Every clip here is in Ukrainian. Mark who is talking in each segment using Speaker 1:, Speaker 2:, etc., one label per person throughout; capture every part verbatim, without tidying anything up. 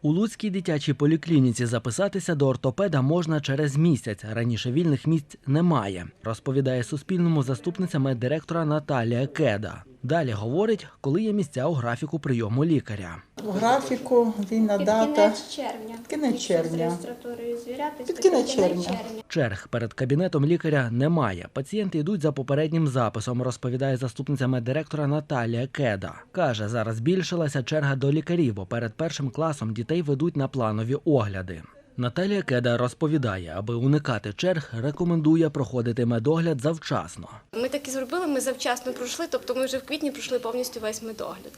Speaker 1: У Луцькій дитячій поліклініці записатися до ортопеда можна через місяць. Раніше вільних місць немає, розповідає Суспільному заступниця меддиректора Наталія Кеда. Далі говорить, коли є місця у графіку прийому лікаря.
Speaker 2: У графіку вільна
Speaker 3: Під
Speaker 2: дата.
Speaker 3: кінець червня.
Speaker 2: Під кінець червня.
Speaker 3: З реєстратурою звірятись,
Speaker 2: Під
Speaker 3: то
Speaker 2: кінець
Speaker 3: кінець
Speaker 2: червня.
Speaker 1: Черг перед кабінетом лікаря немає. Пацієнти йдуть за попереднім записом, розповідає заступниця меддиректора Наталія Кеда. Каже, зараз збільшилася черга до лікарів, бо перед першим класом дітей ведуть на планові огляди. Наталія Кеда розповідає, аби уникати черг, рекомендує проходити медогляд завчасно.
Speaker 4: Ми так і зробили, ми завчасно пройшли, тобто ми вже в квітні пройшли повністю весь медогляд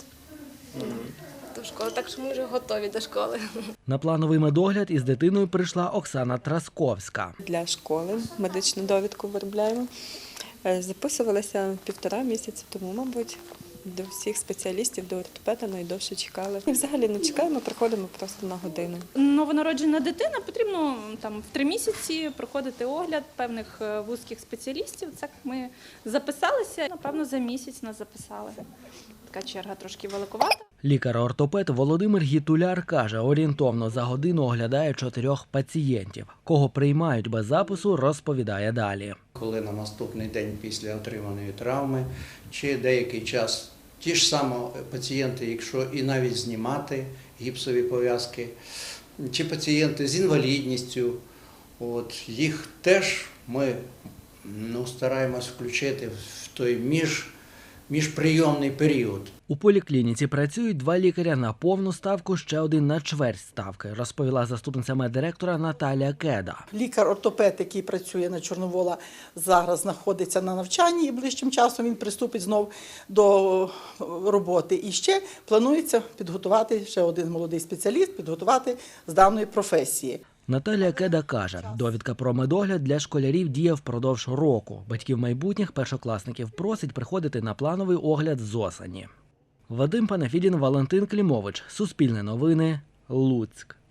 Speaker 4: до школи, так що ми вже готові до школи.
Speaker 1: На плановий медогляд із дитиною прийшла Оксана Трасковська.
Speaker 5: Для школи медичну довідку виробляємо. Записувалися півтора місяці тому, мабуть. До всіх спеціалістів, до ортопеда найдовше чекали. І взагалі не чекаємо, приходимо просто на годину.
Speaker 6: Новонароджена дитина, потрібно там в три місяці проходити огляд певних вузьких спеціалістів. Так ми записалися, напевно, за місяць нас записали. Така черга трошки великовата.
Speaker 1: Лікар-ортопед Володимир Гітуляр каже, орієнтовно за годину оглядає чотирьох пацієнтів. Кого приймають без запису, розповідає далі.
Speaker 7: Коли на наступний день після отриманої травми, чи деякий час ті ж самі пацієнти, якщо і навіть знімати гіпсові пов'язки, чи пацієнти з інвалідністю, от, їх теж ми ну, стараємось включити в той між міжприйомний період.
Speaker 1: У поліклініці працюють два лікаря на повну ставку, ще один на чверть ставки, розповіла заступниця меддиректора Наталія Кеда.
Speaker 2: Лікар-ортопед, який працює на Чорновола, зараз знаходиться на навчанні і ближчим часом він приступить знов до роботи. І ще планується підготувати ще один молодий спеціаліст, підготувати з даної професії.
Speaker 1: Наталія Кеда каже, довідка про медогляд для школярів діє впродовж року. Батьків майбутніх першокласників просить приходити на плановий огляд з осені. Вадим Панафідін, Валентин Клімович. Суспільне новини. Луцьк.